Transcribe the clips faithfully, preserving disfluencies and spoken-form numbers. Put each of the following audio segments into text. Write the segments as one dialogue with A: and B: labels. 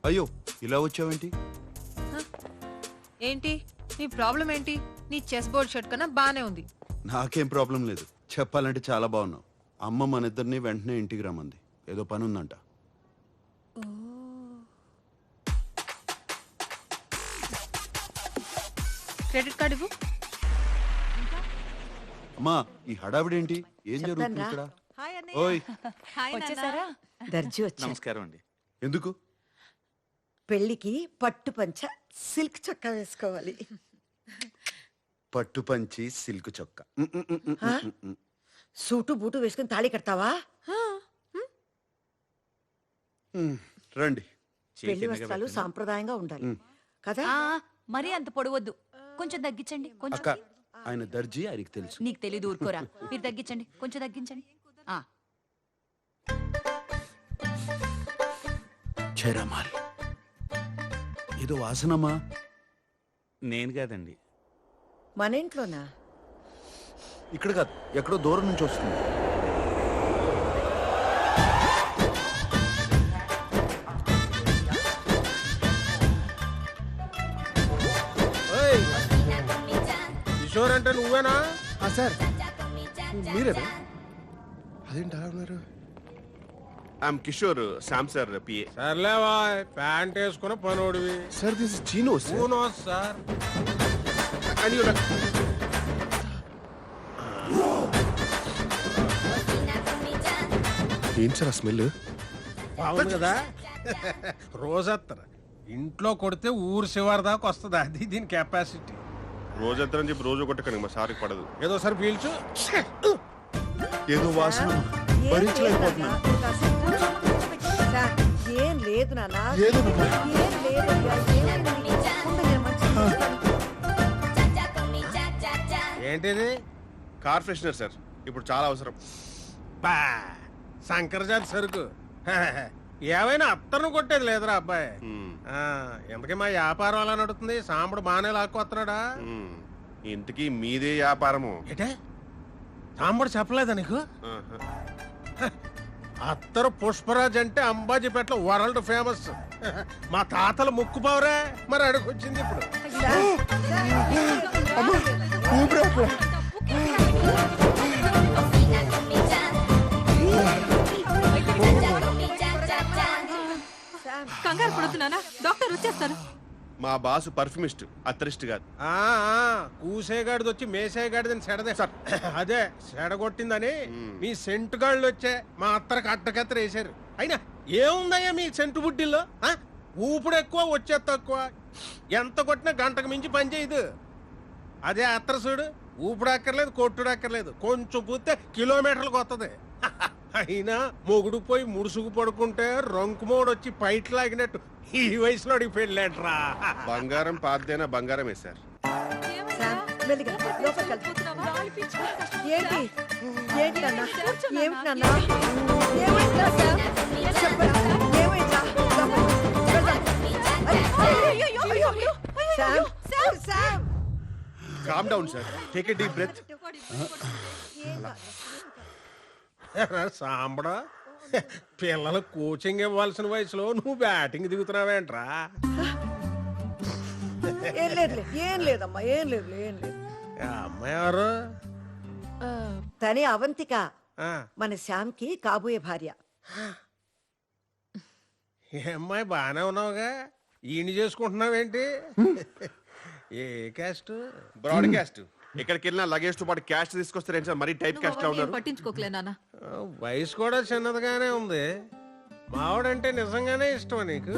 A: అయ్యో ఇలా వచ్చావేంటి?
B: ఏంటి నీ ప్రాబ్లం ఏంటి? నీ చెస్ బోర్డ్ షర్ట్ కన్నా బానే ఉంది.
A: నాకేం ప్రాబ్లం లేదు, చెప్పాలంటే చాలా బాగున్నావు. అమ్మ మన ఇద్దరిని వెంటనే ఇంటికి రమ్మంది, ఏదో పని ఉందంట.
B: క్రెడిట్ కార్డు ఇవ్వు.
A: అమ్మా ఈ హడావిడేంటి? ఏం జరుగుతుంది ఇక్కడ? ఓయ్
C: వచ్చేసారా?
D: దర్జీ వచ్చా.
E: నమస్కారం అండి.
A: ఎందుకు?
D: పెళ్లికి పట్టు పంచ సిల్క్ చొక్కా వేసుకోవాలి.
A: పట్టు పంచి సిల్క్ చొక్క. ఉమ్, ఉమ్, ఉమ్, ఉమ్,
D: ఆ?
A: ఉమ్, ఉమ్.
D: సూటు బూటు వేసుకుని తాళి కడతావా?
A: ఉమ్, రండి.
D: పెళ్లి వస్త్రాలు సాంప్రదాయంగా ఉండాలి కదా?
C: ఆ, మరీ అంత పొడవద్దు, కొంచెం తగ్గించండి. కొంచెం
A: అక్క ఆయన దర్జీ, ఆయనకి తెలుసు.
C: నీకు తెలీదు, ఊరుకోరా. మీరు తగ్గించండి, కొంచెం తగ్గించండి. ఆ
A: చేరమాల్ ఏదో వాసనమ్మా.
E: నేను కాదండి.
D: మన ఇంట్లోనా?
A: ఇక్కడ కాదు, ఎక్కడో దూరం నుంచి వస్తుంది.
F: కిషోర్ అంటే నువ్వేనా?
G: సార్ మీరేనా? అదేంటి అలా ఉన్నారు?
H: I'm Kishore, Sam sir PA.
F: సర్లేవా, ప్యాంట్ వేసుకున్న పనోడివి.
G: సార్ దిస్ ఇస్ చీనో సార్.
F: ఊనో సార్.
G: ఏంటి సార్ ఆ స్మెల్?
F: బాగుంది కదా. రోజత్తర ఇంట్లో కొడితే ఊరు శివారి దాకా వస్తుంది, అది దీని కెపాసిటీ.
H: రోజంతా అని చెప్పి రోజు కొట్టకండి, మా సార్కి పడదు.
F: ఏదో సార్ పీల్చు.
A: ఏదో వాసన
D: ఏం
A: భరించలేకపోతున్నాను.
D: లేదు నాన్న. కాసేపు కూర్చో. సార్, ఏం లేదు నాన్న.
G: ఏదో
D: ఏం లేదు అయ్యా. ఏమైంది? ఉండు, నేను మంచిగా చూస్తాను.
F: ఏంటిది?
H: కార్ ఫ్రెషనర్ సార్, ఇప్పుడు చాలా అవసరం.
F: బా శంకరజాతి సరుకు. ఏమైనా అత్తను కొట్టేది లేదురా అబ్బాయి.
H: మ్మ్.
F: ఆ, ఇంతకీ మా వ్యాపారం అలా నడుతుంది? సాంబడు బాగానే లాక్కొస్తున్నాడా?
H: మ్మ్. ఇంతకీ మీదే వ్యాపారము?
F: ఏటే సాంబడు చెప్పలేదా నీకు?
H: ఆహా.
F: అత్తరు పుష్పరాజ్ అంటే అంబాజీపేటలో వరల్డ్ ఫేమస్. మా తాతల ముక్కు పావురే, మరి అడుగొచ్చింది ఇప్పుడు.
B: కంగారు పడుతున్నానా? డాక్టర్ వచ్చేస్తారు.
H: మా బాసు పర్ఫ్యూమిస్ట్, అత్తరిస్ట్ కాదు.
F: ఆ ఆ, కూసేగాడిది వచ్చి మేసేగాడిదని సెడదే సార్. అదే సెడగొట్టిందని మీ సెంటు గాళ్ళు వచ్చే మా అత్తరికి అడ్డకత్తర వేశారు. అయినా ఏముందయ్యా మీ సెంటు బుడ్డిల్లో? ఆ? ఊపుడు ఎక్కువ, వచ్చే తక్కువ. ఎంత కొట్టినా గంటకు మించి పని చేయదు. అదే అత్తర చూడు, ఊపుడు అక్కర్లేదు, కొట్టుడు అక్కర్లేదు, కొంచెం పూస్తే కిలోమీటర్లకు వస్తుంది. అయినా మొగుడు పోయి ముడుసుకు పడుకుంటే రంకుమోడు వచ్చి పైట్ లాగినట్టు ఈ వయసులో పెళ్ళాట్రా.
H: బంగారం పాతదైనా బంగారమే సార్.
D: సార్, మెల్లిగా లోపలికి వెళ్దాం. ఏంటి ఏంటి నాన్న? ఏమిటి నాన్న? ఏమైందా సార్? చెప్పరా, ఏమైందా? వెళ్దాం. అయ్యో, Sam, Sam, Sam.
H: Calm down sir, take a deep breath.
F: సాంబడా, పిల్లలు కోచింగ్ ఇవ్వాల్సిన వయసులో నువ్వు బ్యాటింగ్ దిగుతున్నావేంట్రా?
D: ఏం లేదులే, ఏం లేదమ్మా, ఏం లేదు, ఏం లేదు.
F: ఆ అమ్మాయి ఎవరు?
D: తనే అవంతిక,
F: ఆ,
D: మన శ్యామ్కి కాబోయే భార్య.
F: ఈ అమ్మాయి బాగానే ఉన్నావుగా, ఈయన చేసుకుంటున్నావేంటి? ఏ క్యాస్ట్?
H: Broad caste. ఎక్కడికి వెళ్ళినా లగేజ్ తో పాటు క్యాష్ తీసుకొస్తారేంటి సార్? మరీ టైప్ క్యాస్ట్ లా ఉన్నారు.
B: పట్టించుకోకలే నాన్న.
F: ఆ, వయసు కూడా చిన్నదిగానే ఉంది. మావాడంటే నిజంగానే ఇష్టమా నీకు?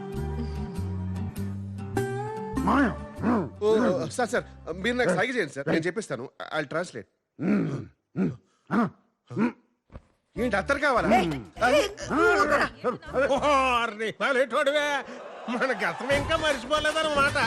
H: ఓ, సార్ సార్ మీరు నాకు సైగ చేయండి సార్, నేను చెప్పిస్తాను. I translate. ఏంటి అత్తరు కావాలా?
F: ఓర్ని పల్లెటూడివే, మన గతం ఇంకా మర్చిపోలేదన్నమాట.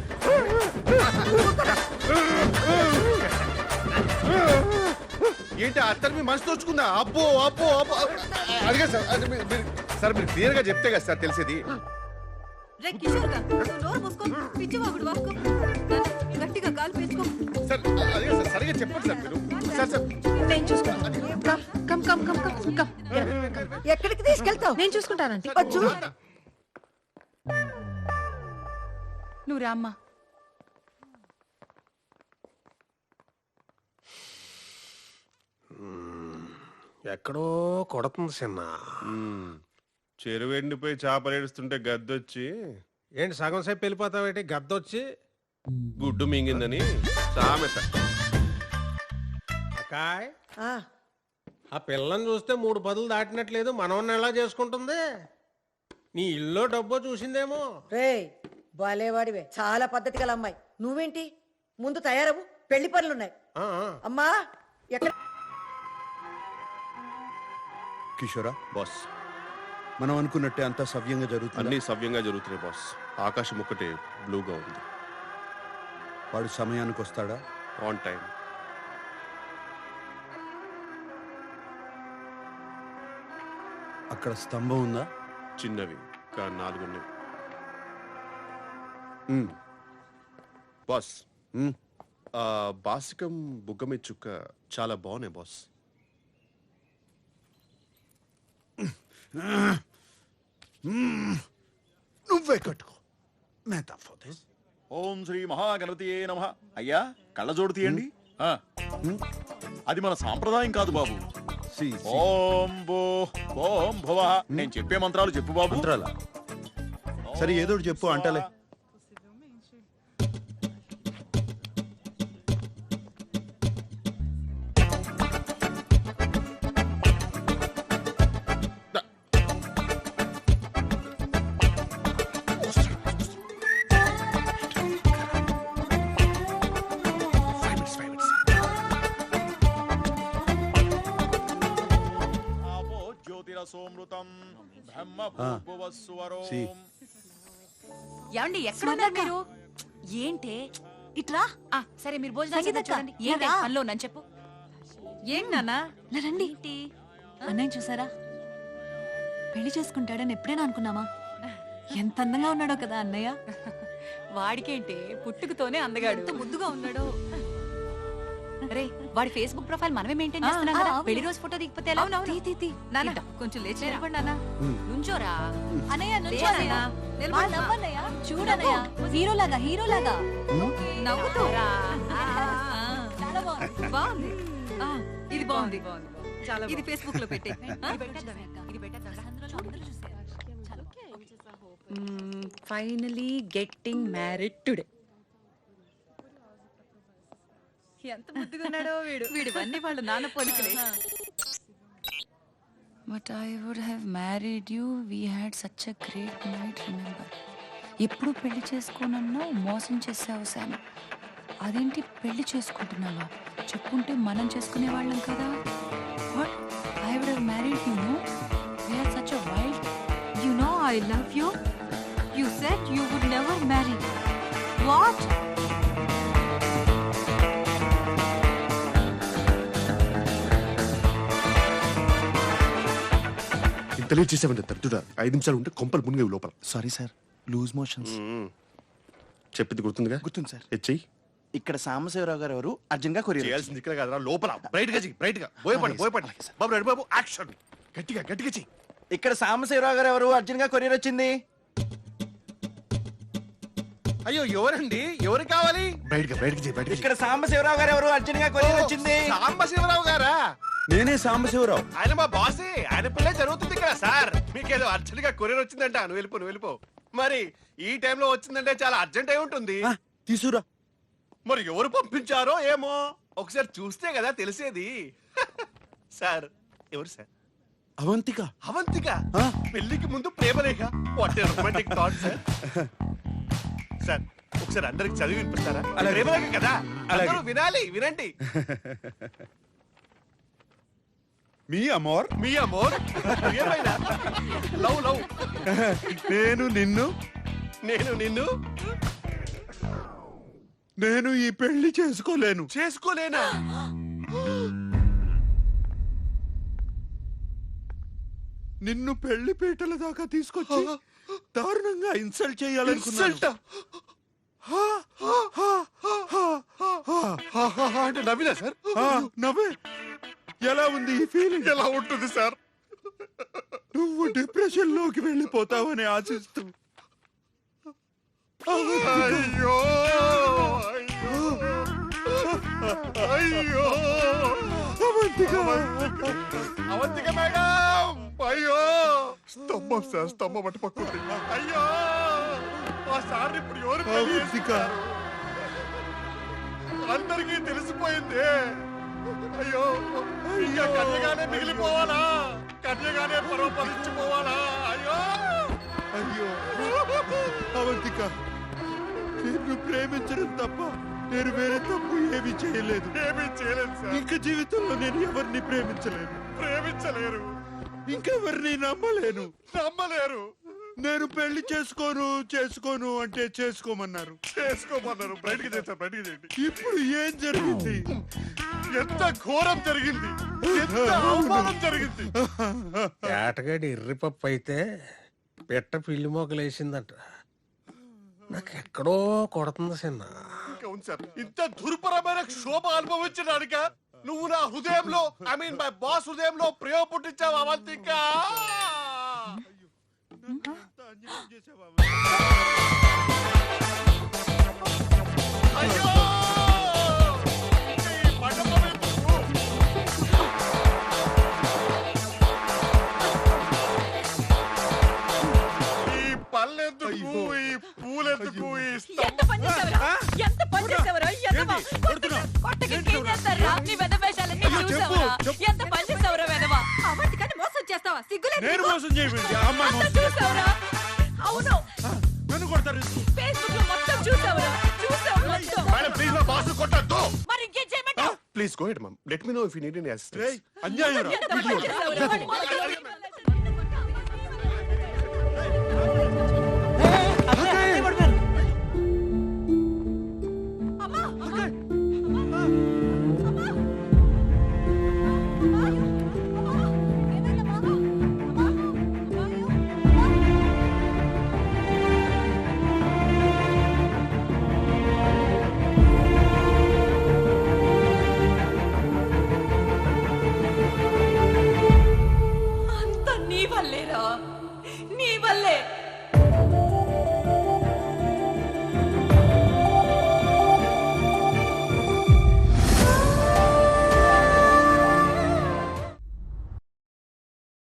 H: ఏంటి అత్తరు మీ మనసు తోచుకుందా? అబ్బో అబ్బో అబ్బో అడిగా సార్. అది మీరు- మీరు- సార్ మీరు క్లియర్ గా చెప్తే కదా సార్ తెలిసేది.
B: రే కిషోర్ గా, నువ్వు నోరు మూసుకో, పిచ్చివాగుడు వాక్కో. గట్టిగా కాలు పీల్చుకో.
H: సార్ అడిగా సార్, సరిగా చెప్పండి సార్ మీరు. సార్ సార్
B: నేను చూసుకుంటాను. Come come come come come.
D: ఎక్కడికి తీసుకెళ్తావు?
B: నేను చూసుకుంటానంటే.
D: వచ్చు.
C: నువ్వు రామ్మా.
F: ఎక్కడో కొడుతుంది చిన్న.
G: చెరువు ఎండిపోయి చేపలు ఏడుస్తుంటే గద్దొచ్చి
F: ఏంటి సగం సేపు వెళ్ళిపోతావేంటి గద్దొచ్చి
G: గుడ్డు మింగిందని సామెత.
F: అక్కాయ్
D: ఆ,
F: ఆ పిల్లని చూస్తే మూడు పదులు దాటినట్లేదు, మనవన్న ఎలా చేసుకుంటుంది? నీ ఇల్లు డబ్బో చూసిందేమో.
D: రేయ్ బాలేవాడివే, చాలా పద్ధతి గల అమ్మాయి. నువ్వేంటి ముందు తయారవు, పెళ్లి పనులున్నాయి.
F: ఆ, ఆ.
D: అమ్మా ఎక్కడ
A: కిషోరా,
H: బాస్
A: మనం అనుకున్నట్టే అంతా సవ్యంగా జరుగుతుంది.
H: అన్ని సవ్యంగా జరుగుతున్నాయి బాస్. ఆకాశం ఒక్కటే బ్లూగా ఉంది.
A: వాడు సమయానికి వస్తాడా?
H: On time.
A: అక్కడ స్తంభం ఉందా?
H: చిన్నవి కా నాలుగున్నాయి
A: ఉమ్,
H: బాస్.
A: ఉమ్.
H: ఆ బాసికం బుగ్గ మీద చుక్క చాలా బాగున్నాయి బాస్.
A: నువ్వే కట్టుకో. మేతా ఫోదే.
I: ఓం శ్రీ మహాగణపతియే నమః. అయ్యా కళ్ళజోడు తీయండి. ఆ. అది మన సాంప్రదాయం కాదు బాబు.
A: C, C.
I: ఓం భూ ఓం భువ. నేను చెప్పే మంత్రాలు చెప్పు బాబు.
A: మంత్రాలా? సరే ఏదో ఒకటి చెప్పు అంటలే.
I: ఆపో జ్యోతిరసోమృతం బ్రహ్మ భూభువస్సువరోం.
A: సి.
C: ఏమండి ఎక్కడున్నారు మీరు? ఏంటే
B: ఇట్రా.
C: ఆ, సరే మీరు భోజనం
B: సంగీతక్క,
C: చూడండి. ఏంటి
B: రా.
C: పనిలో నన్ను చెప్పు.
B: ఏం నాన్నా
J: నా రండి.
C: ఏంటి?
J: అన్నయ్య చూసారా? పెళ్లి చేసుకుంటాడని ఎప్పుడైనా అనుకున్నామా? ఎంత అందంగా ఉన్నాడో కదా అన్నయ్య.
C: వాడికేంటే పుట్టుకతోనే అందగాడు.
B: ఎంత ముద్దుగా ఉన్నాడో.
C: రే వాడి ఫేస్బుక్ ప్రొఫైల్ మనమే మెయింటైన్
J: ఆ,
C: చేస్తున్నాం
J: ఆ,
C: కదా.
J: అవును.
C: పెళ్లి రోజు ఫోటో దిగిపోతే ఎలా?
B: అవునవును.
C: తీ, తీ, తీ.
B: నాన్న
C: ఇద్దాం.
B: కొంచెం లేచి
C: లేరా.
B: నిలబడి నాన్న.
C: నుంచోరా.
J: అన్నయ్య నుంచో
B: లే
J: అన్నయ్య.
B: అన్నయ్య,
J: మా
B: నిలబడు.
J: నవ్వన్నయ్య. చూడన్నయ్య, హీరోలాగా హీరోలాగా.
B: నవ్వుతూ
C: రా.
J: చాలా బాగుంది.
B: బాగుంది. ఆ, ఇది బాగుంది.
J: చాలా
B: ఇది ఫేస్బుక్ లో పెట్టే.
C: ఇది పెట్టేద్దామే అక్క. ఇది పెట్టేద్దాం.
J: అందరూ చూసారు. చాలా
C: ఫైనలీ గెట్టింగ్ మ్యారీడ్ టుడే.
B: ఎంత ముద్దుగా ఉన్నాడో వీడు. వీడివన్నీ వాళ్ళ నాన్న పోలికలే.
C: But I would have married you. We had such a great night. Remember. ఎప్పుడు పెళ్లి చేసుకోనన్నా మోసం చేసావు శామ్. అదేంటి పెళ్లి చేసుకుంటున్నావా? చెప్పుంటే మనం చేసుకునే వాళ్ళం కదా. What? I would have married you. No, we had such a wild.
B: You know I love you. You said you would never marry. What?
G: ఇంత లేట్ చేసామంటే తట్టుడా ఐదు నిమిషాలు ఉంటే కొంపలు మునిగేవి లోపల.
K: Sorry sir, loose motions.
G: చెప్పింది గుర్తుందిగా?
K: గుర్తుంది సార్.
G: హెచ్ఐ
K: ఇక్కడ సాంబశివరావు గారు ఎవరు అర్జున్ గా కొరియర్
G: చేయాల్సింది ఇక్కడ కాదురా, లోపల బ్రైట్ గా చెయ్యి, బ్రైట్ గా భయపడి భయపడి బాబు రెడ్డి బాబు యాక్షన్ గట్టిగా గట్టిగా చెయ్యి.
K: ఇక్కడ సాంబశివరావు గారు ఎవరు అర్జున్ గా కొరియర్ వచ్చింది.
H: అయ్యో ఎవరండి? ఎవరు కావాలి?
G: బ్రైట్ గా బ్రైట్ గా చెయ్యి, బ్రైట్ గా
K: ఇక్కడ సాంబశివరావు గారు ఎవరు అర్జున్ గా కొరియర్ వచ్చింది.
H: సాంబశివరావు గారా?
A: నేనే సాంబశివరావు.
H: ఆయన మా బాసే. ఆయన పిల్లే జరుగుతుంది కదా సార్. మీకేదో అర్జెంట్ గా కొరియర్ వచ్చిందంట. నువ్వు వెళ్ళిపో నువ్వు వెళ్ళిపో. మరి ఈ టైంలో వచ్చిందంటే చాలా అర్జెంట్ అయి ఉంటుంది.
A: ఆ, తీసురా.
H: మరి ఎవరు పంపించారో ఏమో ఒకసారి చూస్తే కదా తెలిసేది. సార్ ఎవరు సార్?
A: అవంతిక.
H: అవంతిక
A: ఆ?
H: పెళ్లికి ముందు ప్రేమలేఖ. What a romantic thought sir. Sir ఒకసారి అందరికి చదివి వినిపిస్తారా?
A: అలాగే.
H: ప్రేమలేఖ కదా,
A: అలాగే.
H: అందరూ వినాలి. వినండి.
A: మీ అమోర్.
H: మీ అమోర్ ఏమైనా లవ్ లవ్.
A: నేను నిన్ను
H: నేను నిన్ను
A: నేను ఈ పెళ్లి చేసుకోలేను.
H: చేసుకోలేనా?
A: నిన్ను పెళ్లి పీటల దాకా తీసుకొచ్చి దారుణంగా ఇన్సల్ట్ చేయాలనుకున్నాను.
H: ఇన్సల్ట్ అంటే నవ్వినా సార్?
A: ఆ, నవ్వే. ఎలా ఉంది ఈ ఫీలింగ్?
H: ఎలా ఉంటుంది సార్?
A: నువ్వు డిప్రెషన్ లోకి వెళ్ళిపోతావని ఆశిస్తూ
H: అయ్యో అయ్యో అవంతిక మేడం అయ్యో స్తంభం సార్ స్తంభం అటు పక్కుంది అయ్యో ఆ సార్ ఇప్పుడు ఎవరు పెళ్లి చేసుకున్నారు? అందరికీ తెలిసిపోయింది అయ్యో ఇంకా కన్యగానే మిగిలిపోవాలా కన్యగానే పరోపరించిపోవాలా అయ్యో
A: అయ్యో అవంతిక, నిన్ను ప్రేమించడం తప్ప నేను వేరే తప్పు ఏమీ చేయలేదు.
H: ఏమీ చేయలేదు సార్.
A: ఇంకా జీవితంలో నేను ఎవరిని ప్రేమించలేను,
H: ప్రేమించలేరు,
A: ఇంకెవరిని నమ్మలేను.
H: నమ్మలేరు.
A: నేను పెళ్లి చేసుకోను చేసుకోను అంటే చేసుకోమన్నారు.
H: చేసుకోమన్నారు. బయటికి చేస్తారు, బయటికి చేయండి.
A: ఇప్పుడు ఏం జరిగింది?
H: ఎంత ఘోరం జరిగింది, ఎంత అవమానం జరిగింది.
F: ఏటగాడి ఎర్రిపప్పు అయితే పెట్ట పిల్లి మొగలేసిందంట. నాకు ఎక్కడో కొడుతుంది చిన్న.
H: అవును సార్, ఇంత దుర్భరమైన క్షోభ అనుభవించడానిక నువ్వు నా హృదయంలో ఐ మీన్ మై బాస్ హృదయంలో ప్రేమ పుట్టించావు అవంతిక. అయ్యో ఈ మండపం ఎందుకు? ఈ పళ్ళెందుకు, ఈ పూలెందుకు, ఈ
B: ఎంత పని చేసావురా? ఎంత పని చేసావురా? ఎదవా? కొట్టక- కొట్టక ఇంకేం చేస్తారురా? నీ వెధవేషాలన్నీ చూసావురా? ఎంత పని చేసావురా వెధవా? అవంతికని మోసం చేస్తావా? సిగ్గులేదు
A: నేను
B: నీకు?
A: మోసం చేయమండి ఆ అమ్మాయి
B: అంతా
A: మోసం
B: చూసావురా? అవును,
A: నన్ను కొడతారు.
B: ఫేస్బుక్ లో మొత్తం చూసావురా? చూసావు మొత్తం.
H: మేడం ప్లీజ్ నా బాస్ కొట్టద్దు.
B: మరి ఇంకేం చేయమంటావు?
H: Please go ahead ma'am, let me know if you need any assistance.
A: అన్యాయం రా.
B: ఎంత పని చేసావురా?